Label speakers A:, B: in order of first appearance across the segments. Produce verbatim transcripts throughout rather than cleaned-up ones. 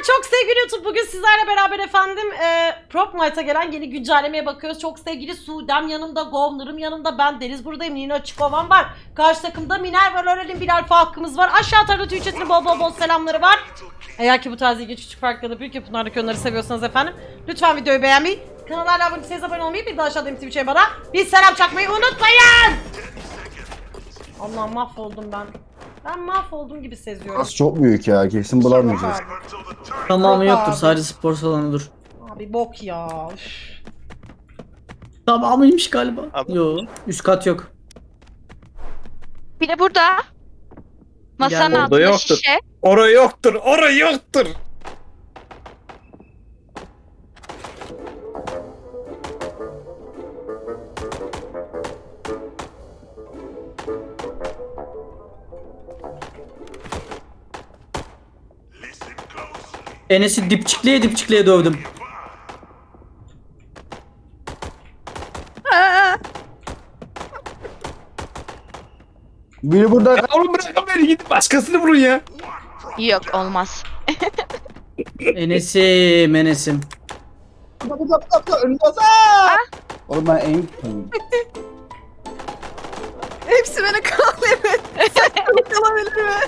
A: Çok sevgili YouTube, bugün sizlerle beraber efendim e, Prop Night'a gelen yeni güncellemeye bakıyoruz. Çok sevgili Suudem yanımda, Govner'ım yanımda, ben Deniz buradayım, Nina Çikovan var. Karşı takımda Miner var, Örel'in bir alfa hakkımız var. Aşağı tarafta Twitch'in bol bol bol selamları var. Eğer ki bu tarz ilginç küçük farklı büyük yapımlardaki öneri seviyorsanız efendim, lütfen videoyu beğenmeyi, kanala hala abone değilseniz abone olmayı, bir de aşağıdaki Twitch'e bana bir selam çakmayı unutmayın. Allah'ım mahvoldum ben. Ben mahvoldum gibi seziyorum.
B: Burası çok büyük ya, kesin bulamayacağız.
C: Tamamı
A: Yok
C: yoktur,
A: abi.
C: sadece spor salonudur.
A: Abi bok ya. Üf.
C: Tamamıymış galiba.
D: Abi.
C: Yo, üst kat yok.
E: Bir de burada. Masanın
C: Yani
E: altında
D: yoktur.
E: şişe.
D: Orası yoktur, orası yoktur.
C: Enes'i dipçikleye dipçikleye dövdüm.
B: Biri burada.
D: Ya oğlum bırakın beni, gidin başkasını vurun ya.
E: Yok olmaz.
C: Enes'im, Enes'im.
B: Burada burada burada burada önünde. Oğlum ben en
F: Hepsi beni kalıyor. Sen kalabilir mi?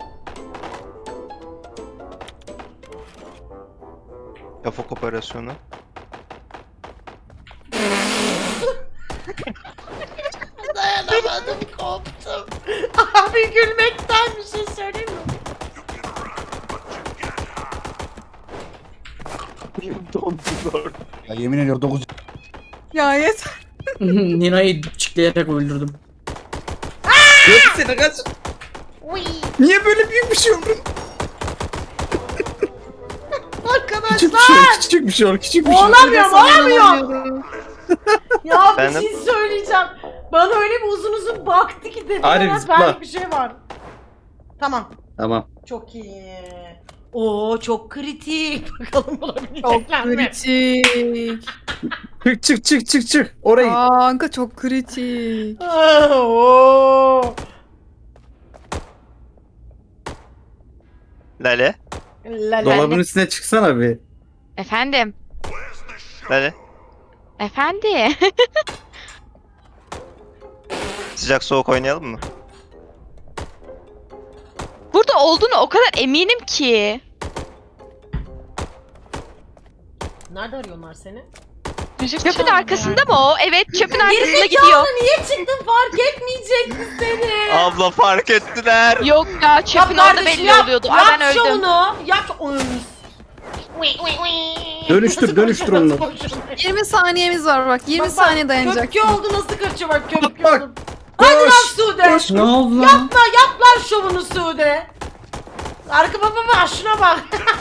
D: Yafok operasyonu.
A: Dayanamadım, koptum. Abi gülmekten bir şey söyleyeyim mi?
B: ya yemin ediyorum dokuz.
F: Ya yeter.
C: Nina'yı dipçikleyerek öldürdüm.
D: Yok seni kaç.
A: Uy.
D: Niye böyle büyük bir şey oldu?
A: Arkadaşlar.
D: Küçük bir şey oldu, küçük bir şey oldu, küçük bir şey oldu.
A: Olamıyorum, olamıyorum. Ya bir
D: Efendim?
A: şey söyleyeceğim. Bana öyle bir uzun uzun baktı ki dedim.
D: Arif,
A: Arif,
D: zıpla.
A: benlik bir şey var. Tamam.
D: Tamam.
A: Çok iyi. Oo çok kritik. Bakalım
F: Çok
A: bulabilecekler mi?
F: kritik.
D: Çık çık çık çık çık. Orayı.
F: Kanka çok kritik.
A: Ah, oo.
D: Lale.
A: La la.
D: Dolabın üstüne çıksana bir.
E: Efendim.
D: Lale.
E: Efendi.
D: Sıcak soğuk oynayalım mı?
E: Burada olduğunu o kadar eminim ki.
A: Nerede arıyorlar seni?
E: Çöpün arkasında mı o? Evet, çöpün arkasında gidiyor.
A: Gerizekalı, niye çıktın, fark etmeyecekti seni.
D: Abla fark ettiler.
E: Yok ya, çöpün
A: Yap
E: orada
A: kardeşim,
E: belli
A: yap,
E: oluyordu.
A: Yap
E: Ay ben öldüm.
A: şovunu. Yap şovunu.
D: Dönüştür, dönüştür onu.
F: yirmi saniyemiz var bak. yirmi saniye dayanacak.
A: Köpke oldu, nasıl kaçıyor bak, köpke
D: Bak,
A: oldu. Hadi lan
D: Koş.
A: Sude.
D: Koş.
C: Ne oldu lan?
A: Yapma, yap lan şovunu Sude. Arka baba bak, şuna bak.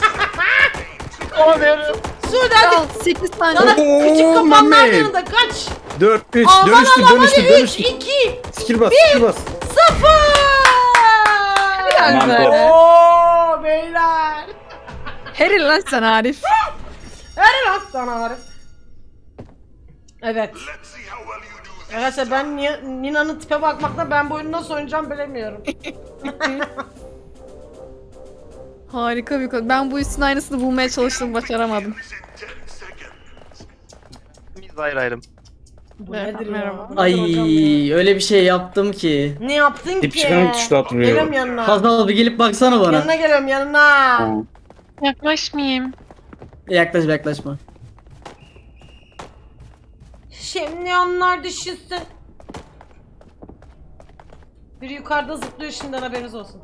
A: Sude hadi.
F: Al sekiz
A: Sana
F: saniye.
D: Oo,
A: küçük kapanlar
D: Mehmet.
A: yanında kaç.
D: dört, üç,
A: Aman
D: dönüştür,
A: Allah'ım,
D: dönüştür,
A: hadi üç,
D: dönüştür.
A: iki,
D: Skill bas, skill bas.
A: sıfır.
F: Helal
D: Aman
F: be.
A: Ooo beyler.
F: Helal lan sen Arif.
A: Her lan sana Arif. Evet. Arkadaşlar ben Ni- Nina'nın tipe bakmakta ben bu oyunu nasıl oynayacağım bilemiyorum.
F: Harika bir konu. Ben bu üstün aynısını bulmaya çalıştım, başaramadım.
D: Biz ayrı ayrım.
A: Bu
F: Merhaba,
A: nedir ya?
F: merhaba.
A: Bu nedir
C: Ay
A: hocam ya?
C: öyle bir şey yaptım ki.
A: Ne yaptın ki?
D: Dipçikanın tuşuna oturuyor.
A: Geliyorum yanına.
C: Hazal bir gelip baksana bana.
A: Yanına geliyorum, yanına.
E: Yaklaşmayayım.
C: Yaklaşma yaklaşma.
A: Şimdi onlar düşünsün. Biri yukarıda zıplıyor şimdiden, haberiniz olsun.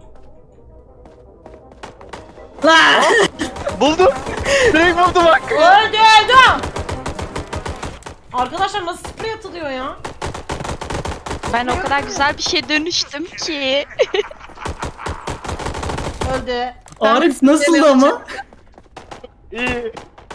C: Lan!
D: Buldum. Direkt buldum bak.
A: Öldü öldü. Arkadaşlar nasıl sprey atılıyor ya?
E: Ben o kadar güzel bir şey dönüştüm ki.
A: Öldü.
C: Arif nasıldı ama?
D: İyi.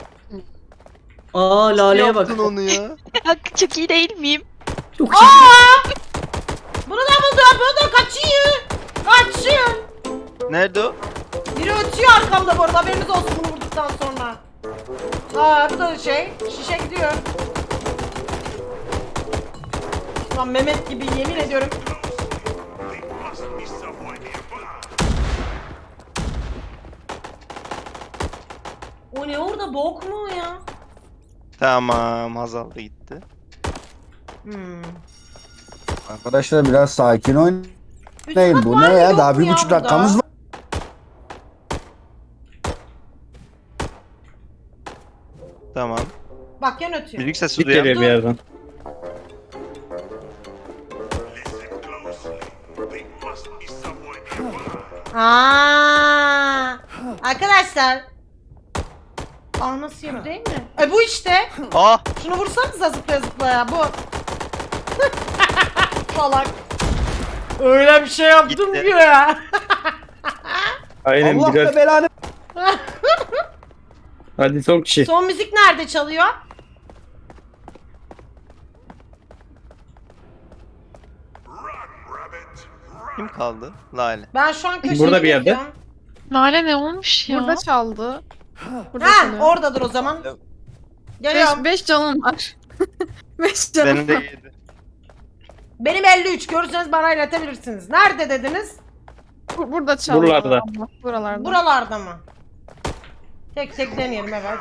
C: Aa Lale'ye bak.
D: Yaptın onu ya.
E: Hakkı çok iyi değil miyim?
C: Çok iyi.
A: Bunu da buldu. Bunu da kaçıyor. Kaçıyor.
D: Nerede o?
A: Biri ötüyor arkamda bu arada, haberiniz olsun bunu vurduktan sonra. Aa bu da şey, şişe gidiyor. Lan Mehmet gibi yemin ediyorum. O ne orada, bok mu o ya?
D: Tamam, Hazal da gitti.
A: Hmm.
B: Arkadaşlar biraz sakin oynayın.
A: Üst kat
B: Bu
A: var
B: ne
A: mı,
B: ya?
A: yok
B: Daha
A: mu
B: bir
A: ya
B: buçuk
A: burada?
B: dakikamız var.
D: Tamam.
A: Bak yan ötüyor.
D: Müzik sesi
C: Git
D: duyan.
C: geliyor bir yerden.
A: Aa, arkadaşlar. Aa nasıl yapıyor değil mi? E bu işte.
D: Aa!
A: Şunu vursanıza zıplaya zıplaya bu. Salak. Öyle bir şey yaptım
D: Gitti.
A: ki ya.
C: Aynen
B: Allah
C: biraz.
B: da belanı.
C: Hadi son kişi.
A: Son müzik nerede çalıyor?
D: Kim kaldı? Lale.
A: Ben şu an köşeye
C: Burada bir yerde.
A: gidiyorum.
E: Lale ne olmuş ya?
F: Burada çaldı. Burada
A: Ha
F: çalıyor.
A: oradadır o zaman. Geliyorum.
F: Beş, beş canım var. beş canım
D: Benim de
F: var.
D: yedi.
A: Benim elli üç, görürseniz bana iletebilirsiniz. Nerede dediniz?
F: Bu- Burada çaldı.
C: Buralarda.
F: abla, Buralarda.
A: Buralarda mı? Tek tek deneyelim evet.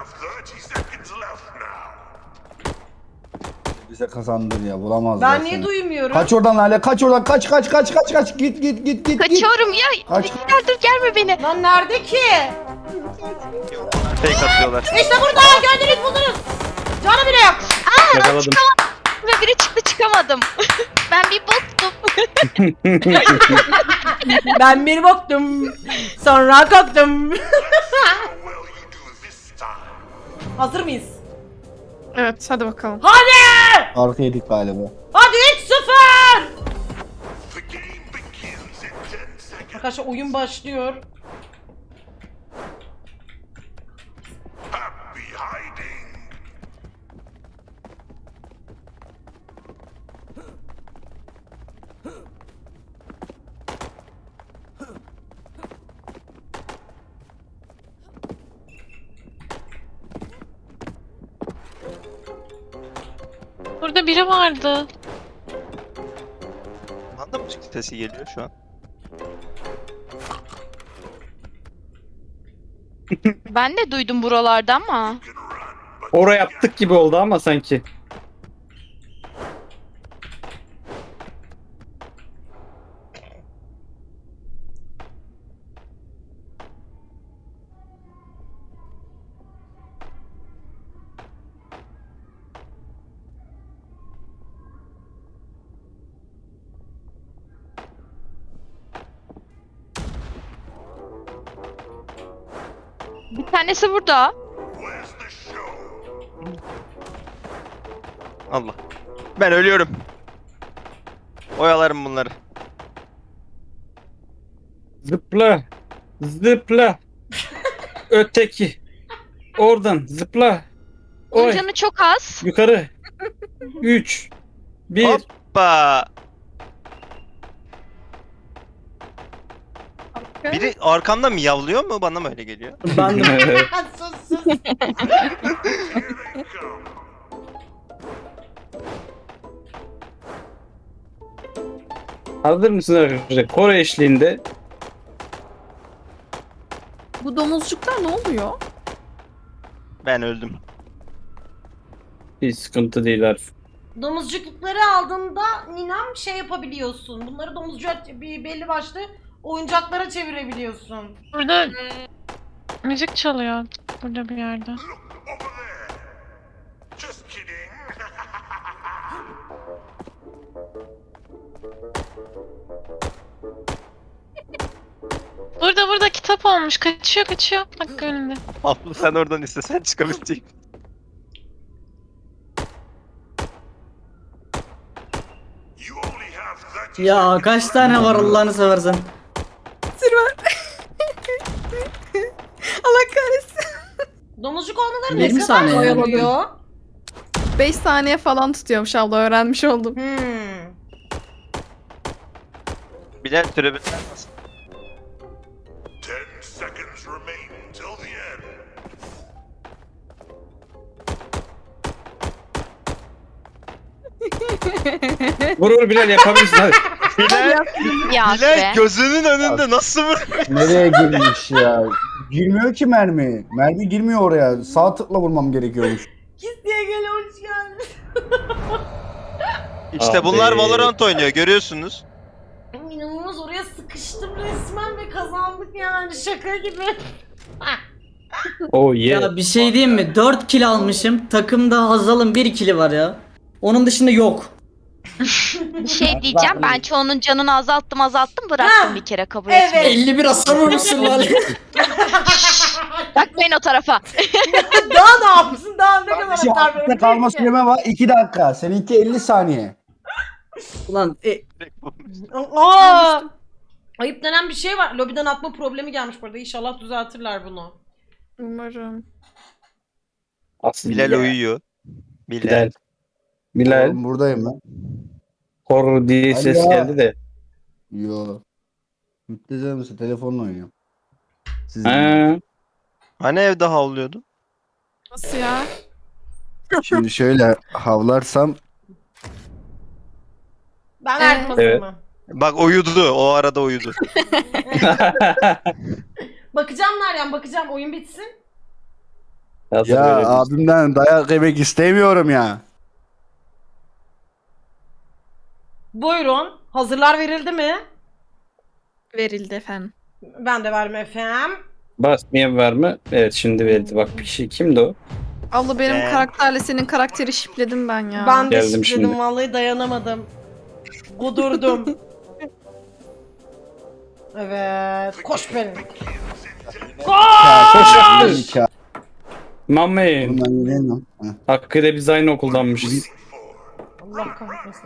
B: Bize kazandır ya, bulamazlar
A: Ben niye
B: seni.
A: duymuyorum?
B: Kaç oradan Lale, kaç oradan, kaç kaç kaç kaç kaç, git git git git git.
E: Kaçıyorum ya.
B: Kaç.
E: Gel dur gelme beni.
A: Lan nerede ki?
D: Fake atıyorlar.
A: İşte burada, gördünüz buldunuz. Canı bile yok.
C: Yakaladım.
E: Ve biri çıktı çıkamadım. Ben bir boktum.
A: Ben bir baktım. Sonra kalktım. Hazır mıyız?
F: Evet hadi bakalım.
A: Hadi!
B: Arka yedik galiba.
A: Hadi üç sıfır! Arkadaşlar oyun başlıyor.
E: Burada biri vardı.
D: Bana da müzik sesi geliyor şu an.
E: Ben de duydum buralarda ama.
C: Oraya yaptık gibi oldu ama sanki.
E: Bir tanesi burada.
D: Allah. Ben ölüyorum. Oyalarım bunları.
C: Zıpla. Zıpla. Öteki. Oradan zıpla.
E: Onun
C: Oy.
E: canı çok az.
C: Yukarı. Üç. Bir.
D: Hoppa. Biri arkamda miyavlıyor mu? Bana mı öyle geliyor?
C: Ben de.
A: sus sus.
C: Hazır mısınız arkadaşlar? Kore eşliğinde
F: Bu domuzcuklar ne oluyor?
D: Ben öldüm.
C: bir sıkıntı değil Arif.
A: Domuzcukları aldığında ninem şey yapabiliyorsun. Bunları domuzcuk bir belli başlı oyuncaklara çevirebiliyorsun.
E: Burada müzik çalıyor. Burada bir yerde. Burada burada kitap olmuş. Kaçıyor kaçıyor. Bak önünde.
D: Abla sen oradan istesen çıkabilecek.
C: Ya kaç tane var Allah'ını seversen.
F: Sirven. Allah kahretsin.
A: Domuzcuk olmaları
C: yirmi
A: ne kadar
C: saniye.
A: oluyor?
F: beş saniye falan tutuyormuş abla, öğrenmiş oldum.
A: Hmm.
D: Bilal türebilir misin?
G: Ten seconds remain till the end.
C: Vur vur Bilal yapabilirsin hadi.
D: Bilal,
E: Ya
D: Bilal
E: be.
D: gözünün önünde nasıl vur?
B: Nereye girmiş ya? Girmiyor ki mermi. Mermi girmiyor oraya. Sağ tıkla vurmam gerekiyormuş.
A: Kis diye gel hoş geldin.
D: İşte
C: Abi.
D: bunlar Valorant oynuyor görüyorsunuz.
A: İnanılmaz oraya sıkıştım resmen ve kazandık yani şaka gibi.
C: Oh yeah.
H: Ya bir şey diyeyim mi? dört kill almışım. Takımda Hazal'ın bir kill'i var ya. Onun dışında yok.
E: Bir şey diyeceğim. Ben çoğunun canını azalttım azalttım bıraktım
A: Ha,
E: bir kere kabul
A: evet.
E: etmeyi.
H: elli bir hasar vurmuşsun lan.
E: Bakmayın o tarafa.
A: Daha ne yapsın daha ne kadar
B: Kardeşim
A: atar
B: altta kalma süreme var. iki dakika. Seninki elli saniye.
H: Ulan e,
A: Aa! Ayıp denen bir şey var. Lobiden atma problemi gelmiş burada. İnşallah düzeltirler bunu.
F: Umarım.
C: Aslında
D: Bilal uyuyor. Bilal.
C: Bilal. Bilal.
B: Oğlum buradayım ben.
C: Horror diye ses
B: Alo.
C: geldi de.
B: Yo. Müptezel misin? Telefonla oynuyorum. Siz
C: Ha.
D: Hani evde havlıyordu?
F: Nasıl ya?
B: Şimdi şöyle havlarsam
A: Ben
F: Ee?
A: verdim hazır
C: Evet.
A: mı?
D: Bak uyudu. O arada uyudu.
A: Bakacağım Meryem bakacağım oyun bitsin.
C: Hazır
B: ya
C: böyle bir-
B: abimden dayak yemek istemiyorum ya.
A: Buyurun. Hazırlar verildi mi?
F: Verildi efendim.
A: Ben de verdim efendim.
C: Basmayan var mı? Evet şimdi verdi. Bak bir şey kimdi o?
F: Abla benim
D: Ee?
F: karakterle senin karakteri şipledim ben ya.
A: Ben de
C: Geldim
A: şifredim
C: şimdi.
A: vallahi dayanamadım. Kudurdum. Evet. Koş benim.
B: Ya, koş. Ya.
C: Mami.
B: Oğlum ben yürüyemiyorum. Heh.
C: Hakkı'da biz aynı okuldanmışız.
A: Allah kahretmesin.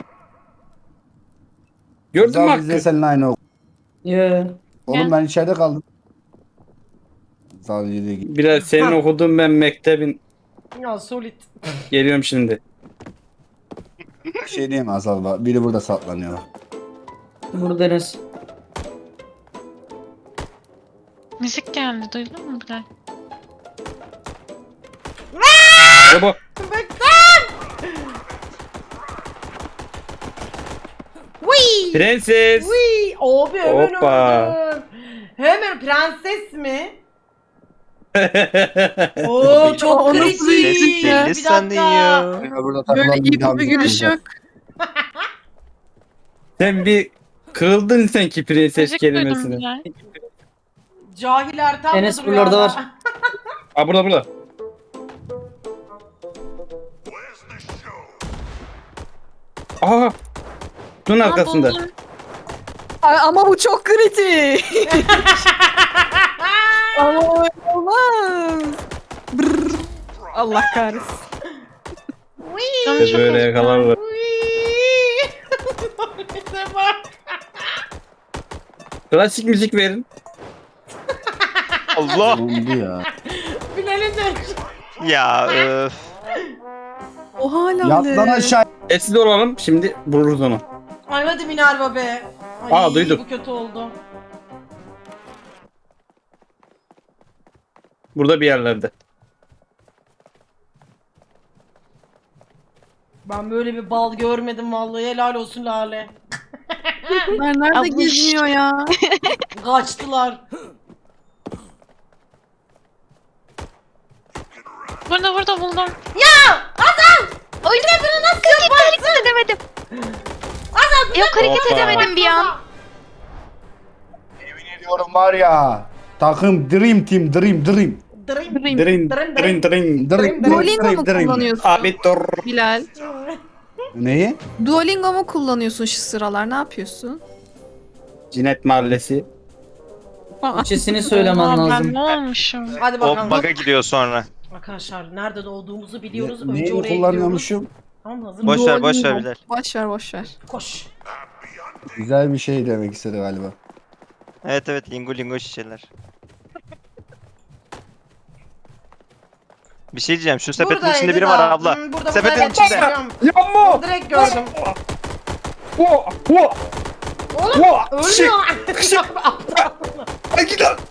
C: Gördün mü
B: Zal biz de
C: Hakkı?
B: seninle aynı okul.
H: ya.
B: Oğlum ben içeride kaldım. Zal yürüye git.
C: Biraz senin
A: Ha.
C: okuduğun ben mektebin.
A: Ya solid.
C: Geliyorum şimdi.
B: Bir şey diyeyim mi Azal var. Biri burada saklanıyor.
H: Burada Enes.
E: Müzik geldi duydun mu Bilal?
C: Baba.
A: Wii!
C: Prenses.
A: Wii! Abi hemen
C: Hoppa.
A: öldüm. Hemen prenses mi? Oo çok
F: O nasıl
A: kritik.
F: bir
D: Deli,
F: şey ya?
D: deli
A: Bir
D: sandın
A: dakika.
D: ya.
B: Ya burada
F: Böyle
B: takılan
F: iyi
B: daha
F: bir gülüş
B: şey
F: yok.
C: Sen bir kırıldın sen ki prenses
E: Müzik duydum
C: kelimesine.
E: Bilal.
A: Cahil Ertan
H: Enes
A: da duruyor
H: buralarda
A: hala.
H: var.
C: Aa burada burada.
G: Where's the show?
C: Aha. Şunun arkasında.
E: buldum.
F: Ay, ama bu çok kritik. Ama öyle olmaz. Brrr. Allah kahretsin.
E: Canım
C: Biz
E: çok
C: böyle
E: acıdı.
C: yakalarlar.
A: Wii! Bize bak.
C: Klasik müzik verin.
D: Allah.
B: Oldu ya.
A: Bilal'in de.
D: Ya öf.
F: O hala
B: Yat lan aşağı.
C: Sessiz olalım şimdi vururuz onu.
A: Ay hadi Minerva be. Ay,
C: Aa, duydum.
A: Bu kötü oldu.
C: Burada bir yerlerde.
A: Ben böyle bir bal görmedim vallahi helal olsun Lale.
F: Bunlar nerede
E: Abla.
F: geziniyor ya?
A: Kaçtılar.
E: Burada burada buldum. Oyunu bunu nasıl yaparsın? Hareket edemedim. Yok hareket
C: Hoppa.
E: edemedim bir an.
B: Diyorum var ya. Takım Dream Team Dream Dream.
A: Dream.
C: Drin
A: Dırın,
C: drin
A: dırın.
C: drin.
B: Dream
F: Duolingo mu
B: Dream.
F: kullanıyorsun
C: Abi dur.
F: Bilal?
B: Neyi?
F: Duolingo mu kullanıyorsun şu sıralar? Ne yapıyorsun?
C: Cinet Mahallesi.
H: Türkçesini söylemen
E: Aa, ben
H: lazım.
E: ne olmuşum?
A: Hadi
D: O
A: bakalım.
D: bug'a gidiyor sonra.
A: Arkadaşlar nerede doğduğumuzu biliyoruz.
B: Ne-
A: Önce
B: Neyi
A: oraya gidiyoruz.
B: kullanıyormuşum?
A: Tamam hazır
D: Boş
A: mısın?
D: ver boş ver
F: Duolingo.
D: Bilal.
F: Boş ver boş ver.
A: Koş.
B: Güzel bir şey demek istedi galiba.
D: Evet evet lingo lingo şişeler. Bir şey diyeceğim şu sepetin
A: Buradaydı
D: içinde biri
A: da.
D: var abla.
A: Hmm, burada,
D: Sepetin
A: burada, evet,
D: içinde.
A: biliyorum.
C: Yapma.
A: Direkt gördüm.
C: Wo, wo,
A: Oğlum
C: wo. Şık.
A: ölmüyor.
C: Ay git lan.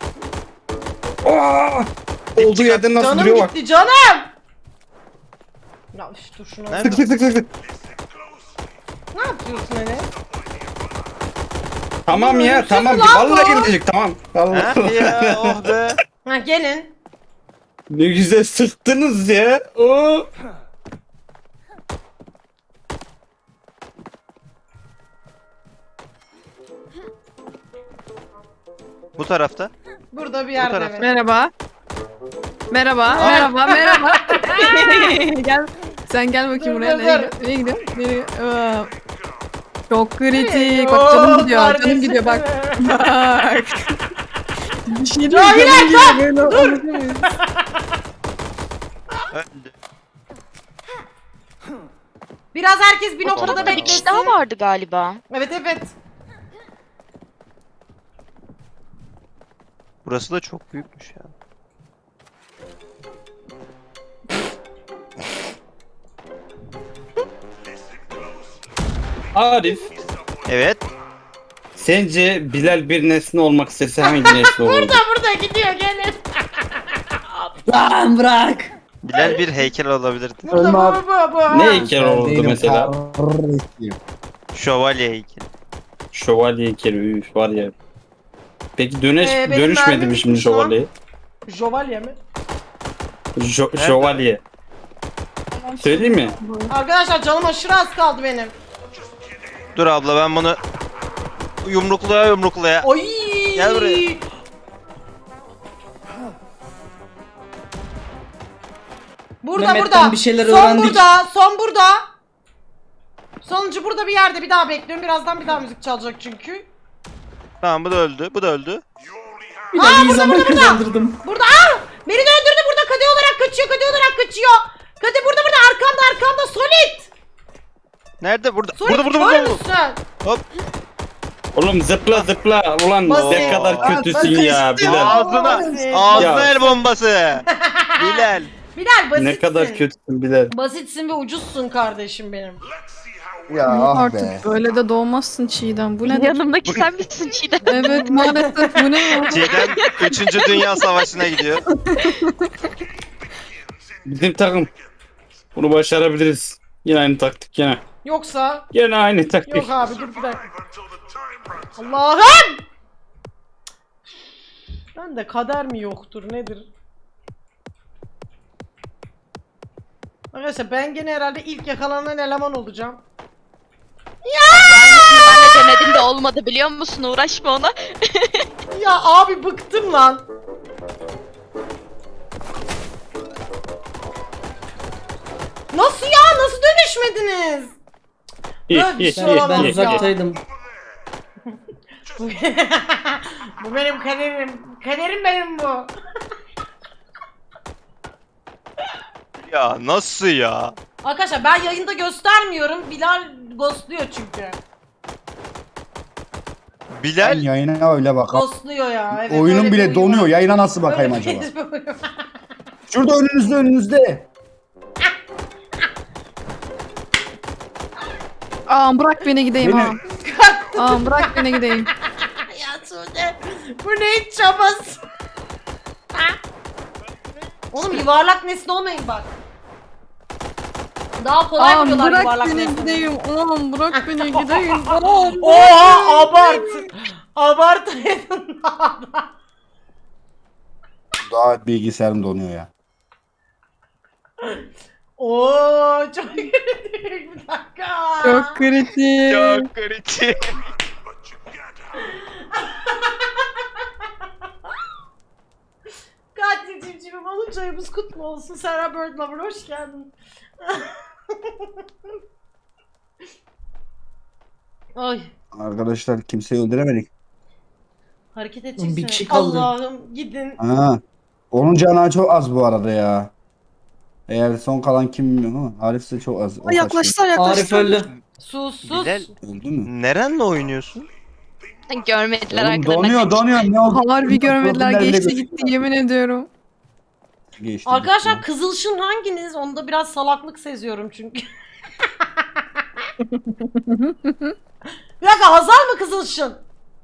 C: Aa! Olduğu yerden nasıl
A: Canım
C: duruyor bak.
A: gitti canım. Ya üf, dur şunu.
D: Nerede?
C: Sık sık sık sık sık.
A: Ne yapıyorsun hele?
C: Tamam ya
A: Ölümsüz
C: tamam.
A: lan
C: Vallahi
A: bu.
C: gidecek tamam.
D: Ha
C: Allah.
D: ya oh be.
A: Ha gelin.
C: Ne güzel sıktınız ya. Oo.
D: Bu tarafta.
A: Burada bir yerde
D: tarafta.
A: evet.
F: Merhaba. Merhaba, merhaba, merhaba. Gel. Sen gel bakayım
A: Dur,
F: buraya.
A: dur,
F: Nereye,
A: dur.
F: nereye gidiyor? Nereye? Aa, çok kritik.
A: Oo,
F: Bak canım gidiyor,
A: kardeşim.
F: canım gidiyor bak. Bak. Bir şey değil,
A: Cahil
F: canım gidiyor.
A: Erkan,
F: Böyle anlatamayız.
D: Öldü.
A: Biraz herkes bir noktada
E: Orada bir
A: beklesin.
E: kişi daha vardı galiba.
A: Evet evet.
D: Burası da çok büyükmüş ya.
C: Arif.
D: Evet.
C: Sence Bilal bir nesne olmak istese hangi nesne olurdu?
A: Burada burada gidiyor gelin.
H: Lan bırak.
D: Bilal bir heykel olabilirdi.
A: Burada
B: Ölme
A: bu
B: abi.
A: bu bu.
C: Ne
A: Ha.
C: heykel olurdu
B: Değilim,
C: mesela?
B: teröristiyim.
D: Şövalye heykeli.
C: Şövalye heykeli üf, var ya. Peki dönüş,
A: Ee, benim
C: dönüşmedi
A: mermim
C: mi şimdi
A: bitmiş lan.
C: şövalye?
A: Jovalye mi?
C: Jo-
D: Nerede?
C: şövalye. Söyleyeyim mi?
A: Arkadaşlar canım aşırı az kaldı benim.
D: Dur abla ben bunu yumruklaya yumruklaya.
A: Oy.
D: Gel buraya.
A: Burada
H: Mehmet'ten
A: burada.
H: bir şeyler
A: son
H: öğrendik.
A: burada. Son burada. Sonuncu burada bir yerde bir daha bekliyorum. Birazdan bir daha müzik çalacak çünkü.
D: Tamam bu da öldü. Bu da öldü.
H: Bilal iyi zaman kazandırdım.
A: Burada aa! Beni de öldürdü burada. Kade olarak kaçıyor. Kade olarak kaçıyor. Kade burada burada arkamda arkamda Solid.
D: Nerede? Burada.
A: Solid
D: Burada burada
A: kör
D: burada.
A: müsün?
D: Hop.
C: Oğlum zıpla zıpla. Ulan
A: Basit.
C: ne kadar
B: Aa,
C: kötüsün
B: ben
C: ya
B: kaçtım.
C: Bilal.
D: Ağzına.
A: Basit.
D: Ağzına
C: Ya.
D: el bombası. Bilal.
A: Bilal basitsin.
C: Ne kadar kötüsün Bilal.
A: Basitsin ve ucuzsun kardeşim benim.
B: Ya ah
F: Artık
B: be.
F: böyle de doğmazsın Çiğdem. Bu ne?
E: Yanımdaki sen misin Çiğdem?
F: Evet maalesef bu ne ya?
D: Çiğdem üçüncü Dünya Savaşı'na gidiyor.
C: Bizim takım. Bunu başarabiliriz. Yine aynı taktik yine.
A: Yoksa
C: Yine aynı taktik.
A: yok abi dur bir dakika.
G: Until the time runs out.
A: Allah'ım! Ben de kader mi yoktur nedir? Arkadaşlar ben gene herhalde ilk yakalanan eleman olacağım.
E: Ben de denedim de olmadı biliyor musun? Uğraşma ona.
A: Ya abi bıktım lan. Nasıl ya? Nasıl dönüşmediniz?
C: İyi,
A: Böyle bir
C: iyi,
A: şey
C: iyi,
A: olamaz
H: Ben
C: iyi,
A: ya.
H: uzaktaydım.
A: Bu benim kaderim. Kaderim benim bu.
D: Ya nasıl ya?
A: Arkadaşlar ben yayında göstermiyorum. Bilal ghostluyor çünkü.
B: Ben
D: Bilal
B: yayına öyle bakalım.
A: Ghostluyor ya. Evet,
B: Oyunum
A: öyle bir
B: bile
A: oyun
B: donuyor.
A: var.
B: Yayına nasıl bakayım
A: Öyle
B: acaba?
A: bir oyun var.
B: Şurada önünüzde önünüzde.
F: Aa bırak beni gideyim
B: Beni-
F: ha. Aa bırak beni gideyim.
A: Ya Sude. Bu ne çabası? Oğlum yuvarlak nesne olmayın bak. Daha kolay
F: Aa
A: vuruyorlar
F: bırak
A: yuvarlak
F: beni
A: nesne.
F: gideyim. Oğlum bırak beni gideyim. Oğlum.
A: Oha abart. Abart.
B: Daha bilgisayarım donuyor ya.
A: Oo çok kritik bir dakika.
F: Çok kritik.
D: çok kritik.
G: But you can't have
A: Katil civcivim olunca ayımız kutlu olsun. Sarah Bird Lover hoş geldin. Ay
B: Arkadaşlar kimseyi öldüremedik.
A: hareket edeceksin.
H: Bir kişi kaldı.
A: Allah'ım gidin.
B: Ha. Onun canı çok az bu arada ya. Eğer son kalan kim bilmiyorum ama Arif de çok az. O
F: Aa, yaklaştılar
H: Arif
F: yaklaştılar.
H: öldü.
A: Sus sus.
D: Bilal
B: kaçtı. Öldü mü?
D: nerenle oynuyorsun?
E: Görmediler
B: Oğlum
E: arkadan.
B: donuyor donuyor. Ne oldu?
F: Harbi görmediler
B: Profiller bile
F: geçti
B: gözüküyor.
F: gitti yemin ediyorum.
B: Geçti,
A: Arkadaşlar
B: gitti.
A: kızılşın hanginiz? Onda biraz salaklık seziyorum çünkü. Bir dakika Hazal mı kızılşın?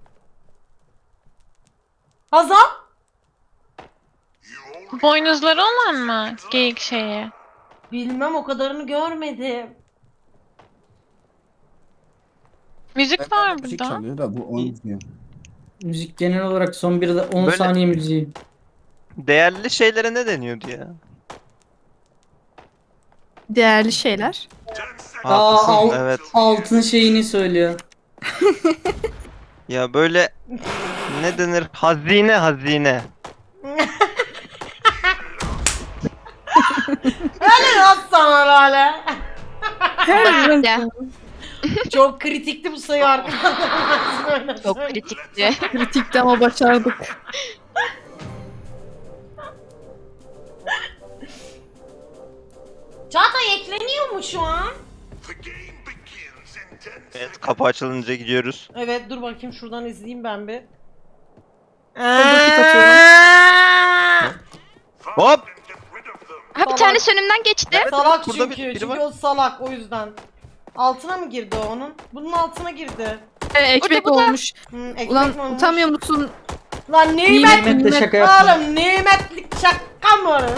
A: Hazal?
I: Boynuzları olan mı? Geyik şeyi.
A: Bilmem o kadarını görmedim.
I: Müzik var
B: Müzik
I: burada.
B: çalıyor da bu oynuyor.
H: Müzik genel olarak son bir de on
D: Böyle-
H: saniye müziği.
D: Değerli şeylere ne deniyordu ya?
F: Değerli şeyler.
H: Aa,
D: Haklısın,
H: al-
D: evet.
H: Altın şeyini söylüyor.
D: Ya böyle ne denir? Hazine hazine.
A: Öyle nasıl sana Lale?
E: Ya,
A: Çok kritikti bu sayı arkadaşlar.
E: çok kritikti.
F: Kritikti ama başardık.
A: Çağatay ekleniyor mu şu an?
G: The game begins in ten
D: Evet, kapı açılınca gidiyoruz.
A: Evet dur bakayım şuradan izleyeyim ben bir.
F: pik atıyorum.
D: Hop!
G: and get rid of them.
E: Ha bir tanesi önümden geçti.
D: Evet,
A: Salak
D: evet, burada
A: çünkü.
D: bir- biri
A: çünkü
D: var.
A: o salak o yüzden. Altına mı girdi o onun? Bunun altına girdi.
F: Ee, ekmek
E: Burada, burada.
F: olmuş.
A: Hmm, ekmek
F: Ulan
A: mi olmuş?
F: utanmıyor musun?
A: Lan nimet,
H: Nimet de şaka yapma.
A: oğlum nimetlik şaka mı lan?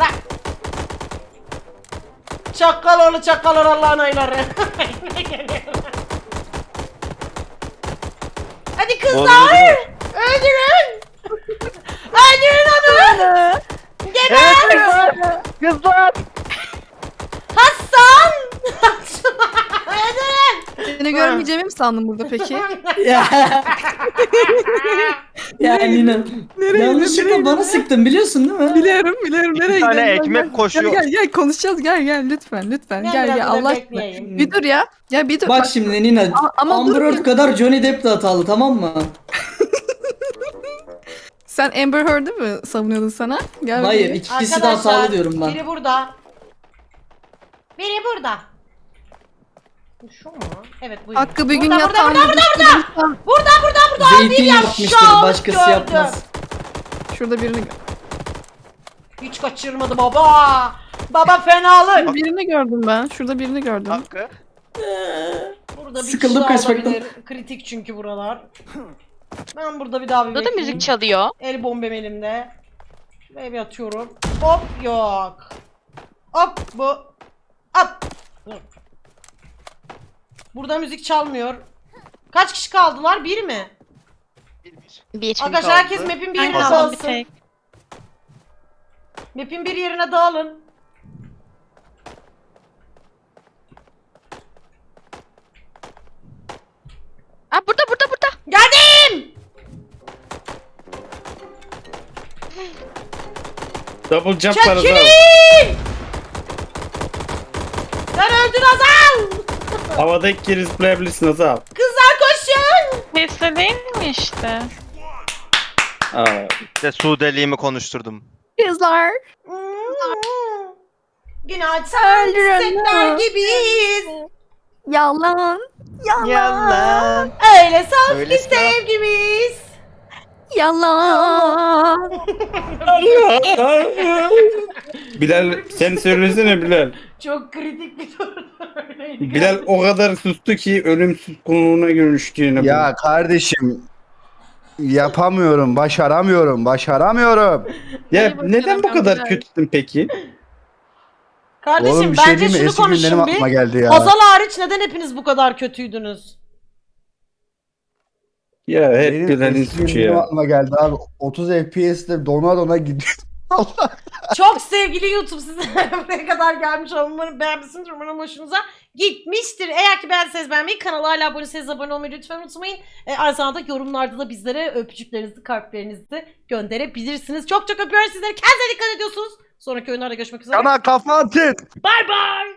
A: Çakal oğlu çakal oğlu Allah'ın ayları. Hadi
D: Doğru,
A: kızlar.
D: doğru.
A: Öldürün. Öldürün onu. Geber.
D: Kızlar!
A: Hasan. Öldürün.
F: Seni görmeyeceğimi mi sandın burada peki?
H: Ya. ya Nina.
F: Nereye
H: Yanlışlıkla
F: nereye
H: bana sıktın biliyorsun değil mi?
F: Biliyorum biliyorum. Nereye
D: tane
F: gidiyorsun?
D: ekmek
F: Gel,
D: koşuyor.
F: Gel gel gel konuşacağız gel gel lütfen lütfen.
A: Ben
F: Gel
A: biraz
F: gel
A: burada
F: Allah aşkına.
A: bekleyeyim.
F: Bir dur ya. Ya bir dur.
H: Bak şimdi Nina.
F: Ama- ama
H: Amber
F: dur
H: Heard
F: bir-
H: kadar Johnny Depp de hatalı tamam mı?
F: Sen Amber Heard'ı mı savunuyordun sana? Gel
H: Hayır
F: bakayım.
H: ikisi de hatalı diyorum ben.
A: Biri burada. Biri burada. Bu şu mu? Evet bu.
F: Hakkı bir gün
A: Burada, burada,
F: yatağında
A: burada,
F: burada,
A: Burada burada burada.
H: Zeytin
A: ya,
H: yapmıştır
A: şahit
H: başkası
A: gördüm.
H: yapmaz.
F: Şurada birini
A: Hiç kaçırmadı baba. Baba fenalık.
F: birini gördüm ben. Şurada birini gördüm.
D: Hakkı.
A: Burada bir
H: Sıkıldım
A: kişi daha
H: kaçmaktan.
A: olabilir. Kritik çünkü buralar. Ben burada bir daha bir
E: Burada da
A: bekleyeyim.
E: müzik çalıyor.
A: El bombem elimde. Şuraya bir atıyorum. Hop yok. Hop bu. Hop. Burada müzik çalmıyor. Kaç kişi kaldılar? Bir mi?
E: Bir.
A: Arkadaşlar
D: kaldı?
A: herkes map'in bir
I: Ben
A: yerine
I: kaldım bir
A: dağılsın.
I: tek.
A: Map'in bir yerine dağılın.
E: Aa burada burada burada.
A: Geldim.
C: Double jump var Azal.
A: Çekilin. Sen öldün Azal.
C: Havada ilk kere zıplayabilirsin Azal.
A: Kızlar koşun.
I: Sesle değil mi işte?
C: Aa,
D: İşte Suudeliğimi konuşturdum.
F: Kızlar.
A: Hmm. Günaydın.
F: Öldürün
A: Setler
F: onu.
A: gibiyiz.
F: Yalan. Yalan.
D: Yalan.
A: Öyle saf
D: Öyle
A: ki
D: saf.
A: sevgimiz.
F: Yalan.
C: Bilal sen söylesene Bilal.
A: Çok kritik bir soru. Öyleydi.
C: Bilal o kadar sustu ki ölümsüz konuğuna dönüştü yine.
B: Ya kardeşim yapamıyorum, başaramıyorum, başaramıyorum.
C: Ya
F: Hadi bakalım,
C: neden bu kadar
F: Bilal.
C: kötüsün peki?
A: Kardeşim
B: Oğlum bir şey
A: bence
B: diyeyim mi?
A: şunu
B: Eski günlerim
A: konuşun
B: aklıma
A: bir.
B: geldi ya.
A: Hazal hariç neden hepiniz bu kadar kötüydünüz?
C: Ya hep
B: Benim
C: Bilal'in
B: eski
C: suçu
B: günlerim
C: ya.
B: aklıma geldi abi. otuz F P S'te dona dona gidiyor. Allah.
A: Çok sevgili YouTube size buraya kadar gelmiş olun. Umarım beğenmişsiniz. Umarım hoşunuza gitmiştir. Eğer ki beğendiyseniz beğenmeyi, kanala hala abone değilseniz abone olmayı lütfen unutmayın. E, aynı zamanda yorumlarda da bizlere öpücüklerinizi, kalplerinizi gönderebilirsiniz. Çok çok öpüyoruz sizleri. Kendinize dikkat ediyorsunuz. Sonraki oyunlarda görüşmek üzere.
B: Sana kafa atın.
A: Bye bye.